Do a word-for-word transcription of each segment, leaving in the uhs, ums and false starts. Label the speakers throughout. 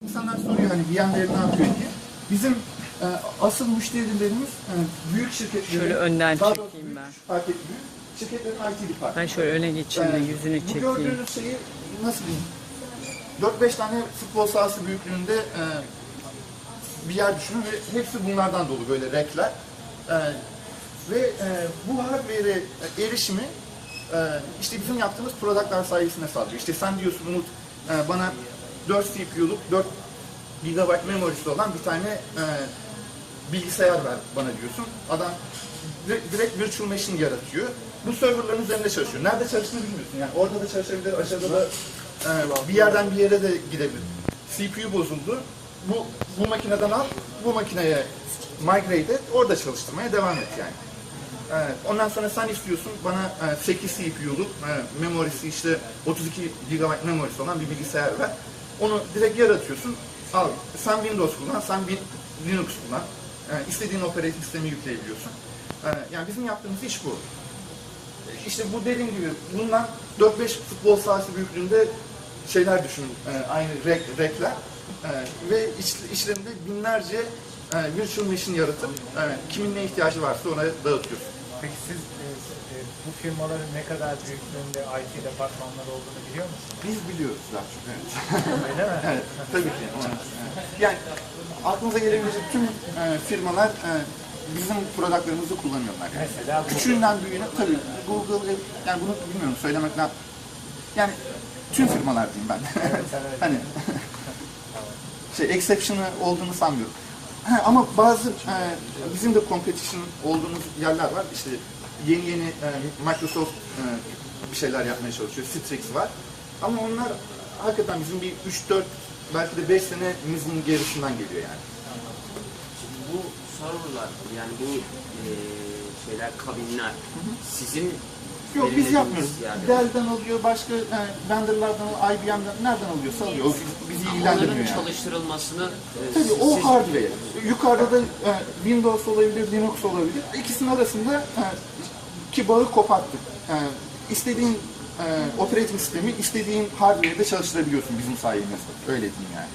Speaker 1: İnsanlar soruyor hani V M Ware ne yapıyor diye. Bizim e, asıl müşterilerimiz e, büyük şirketlerin,
Speaker 2: Şöyle önden
Speaker 1: daha doğrusu
Speaker 2: çekeyim
Speaker 1: büyük
Speaker 2: ben.
Speaker 1: şirket, büyük şirketlerin I T departmanı.
Speaker 2: Ben şöyle öne geçeyim de
Speaker 1: E,
Speaker 2: yüzünü
Speaker 1: Bu
Speaker 2: çekeyim.
Speaker 1: gördüğünüz şeyi nasıl diyeyim? dört beş tane futbol sahası büyüklüğünde e, bir yer düşünün ve hepsi bunlardan dolu böyle renkler. E, ve e, bu hardware'e erişimi e, işte bizim yaptığımız productlar sayesinde sağlıyor. İşte sen diyorsun Umut e, bana dört C P U'luk dört gigabayt memorisi olan bir tane e, bilgisayar ver bana diyorsun. Adam direkt, direkt virtual machine yaratıyor. Bu serverların üzerinde çalışıyor. Nerede çalıştığını bilmiyorsun. Yani orada da çalışabilir, aşağıda da e, bir yerden bir yere de gidebilir. C P U bozuldu. Bu, bu makineden al, bu makineye migrate et, orada çalıştırmaya devam et yani. Evet, ondan sonra sen istiyorsun bana e, sekiz C P U'luk e, memorisi işte otuz iki gigabayt memorisi olan bir bilgisayar ver. Onu direkt yaratıyorsun. Al, sen Windows kullan, sen Linux kullan. E, istediğin operating sistemi yükleyebiliyorsun. E, yani bizim yaptığımız iş bu. E, işte bu dediğim gibi bundan dört beş futbol sahası büyüklüğünde şeyler düşün, e, aynı rek, rekler. E, ve iç, içlerinde binlerce e, virtual machine yaratıp e, kimin ne ihtiyacı varsa ona dağıtıyorsun.
Speaker 3: Peki siz e, e, bu firmaların ne kadar büyüklüğünde I T departmanları olduğunu biliyor musunuz?
Speaker 1: Biz biliyoruz daha çok. Evet.
Speaker 3: Öyle mi?
Speaker 1: Evet, tabii ki. Evet. Yani aklınıza gelebilecek tüm e, firmalar e, bizim productlarımızı kullanıyorlar. Yani.
Speaker 3: Mesela
Speaker 1: Küçüğünden büyüğüne tabii Google, yani bunu bilmiyorum söylemek ne yani tüm firmalar diyeyim ben.
Speaker 3: Evet, sen öyle.
Speaker 1: Hani şey exception'ı olduğunu sanmıyorum. Ha, ama bazı e, bizim de competition olduğumuz yerler var. İşte yeni yeni e, Microsoft e, bir şeyler yapmaya çalışıyor. Citrix var. Ama onlar hakikaten bizim bir üç dört belki de beş senemizin gerisinden geliyor yani.
Speaker 4: Bu serverlar yani bu e, şeyler kabinler sizin
Speaker 1: Yok biz
Speaker 4: belirlediğiniz
Speaker 1: yapmıyoruz.
Speaker 4: yerde.
Speaker 1: Dell'den alıyor, başka e, vendorlardan, I B M'den nereden alıyorsa alıyor. O bizi, bizi ilgilendirmiyor
Speaker 4: Onların
Speaker 1: yani.
Speaker 4: çalıştırılmasını e,
Speaker 1: Tabii
Speaker 4: siz,
Speaker 1: o
Speaker 4: siz-
Speaker 1: hardware. Yukarıda da e, Windows olabilir, Linux olabilir. İkisinin arasında e, ki bağı koparttık. E, istediğin e, operating sistemi istediğin hardware'de çalıştırabiliyorsun bizim sayemizde. Öyle diyeyim yani.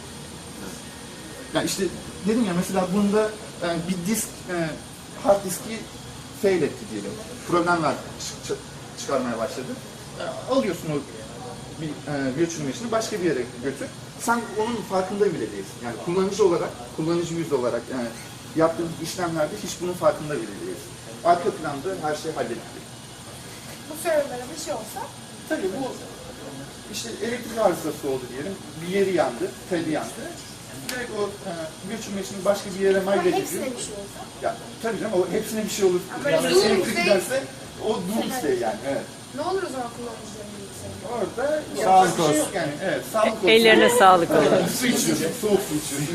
Speaker 1: Ya işte dedim ya mesela bunda e, bir disk e, hard diski fail etti diyelim. Problem ver, çı- çı- çıkarmaya başladı. E, alıyorsun o bir e, virtual machine'i başka bir yere götür. Sen onun farkında bile değilsin. Yani kullanıcı olarak, kullanıcı yüzü olarak yani yaptığımız işlemlerde hiç bunun farkında bile değilsin. Arka planda her şey hallediliyor.
Speaker 5: Bu serverlara bir şey olsa
Speaker 1: Tabii bu işte elektrik arızası oldu diyelim. Bir yeri yandı, teli yandı. Direkt o e, virtual machine'i başka bir yere
Speaker 5: ama
Speaker 1: migrate ediyor.
Speaker 5: hepsine bir şey olsa.
Speaker 1: Ya tabii canım o hepsine bir şey olur.
Speaker 5: Ama
Speaker 1: Yani
Speaker 5: doomsday-
Speaker 1: elektrik giderse o doomsday yani. Evet.
Speaker 5: Ne olur o zaman kullanıcıların bilgisayarı?
Speaker 1: Orada
Speaker 3: Sağlık
Speaker 1: yapacak bir şey
Speaker 3: olsun.
Speaker 1: yok yani. Evet, sağlık olsun.
Speaker 2: Ellerine sağlık olsun.
Speaker 1: Su içiyorsun, soğuk su içiyorsun.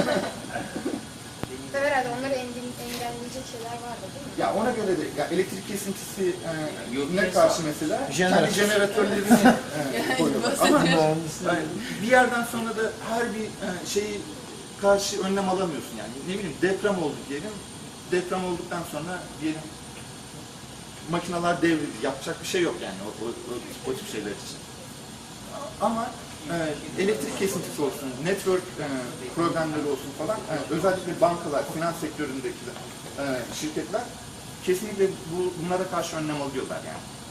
Speaker 5: Tabii herhalde onları engel- engelleyecek şeyler vardı değil mi?
Speaker 1: Ya ona göre de ya elektrik kesintisi
Speaker 4: Yok,
Speaker 1: e, ne karşı mesela
Speaker 3: Jeneratör.
Speaker 1: kendi jeneratörlerini e, koyuyorlar. Ama yani bir yerden sonra da her bir e, şeyi karşı önlem alamıyorsun yani. Ne bileyim deprem oldu diyelim. Deprem olduktan sonra diyelim makineler devrildi. Yapacak bir şey yok yani o, o, o, o tip şeyler için. Ama e, elektrik kesintisi olsun, network e, problemleri olsun falan, e, özellikle bankalar, finans sektöründeki e, şirketler kesinlikle bu, bunlara karşı önlem alıyorlar yani.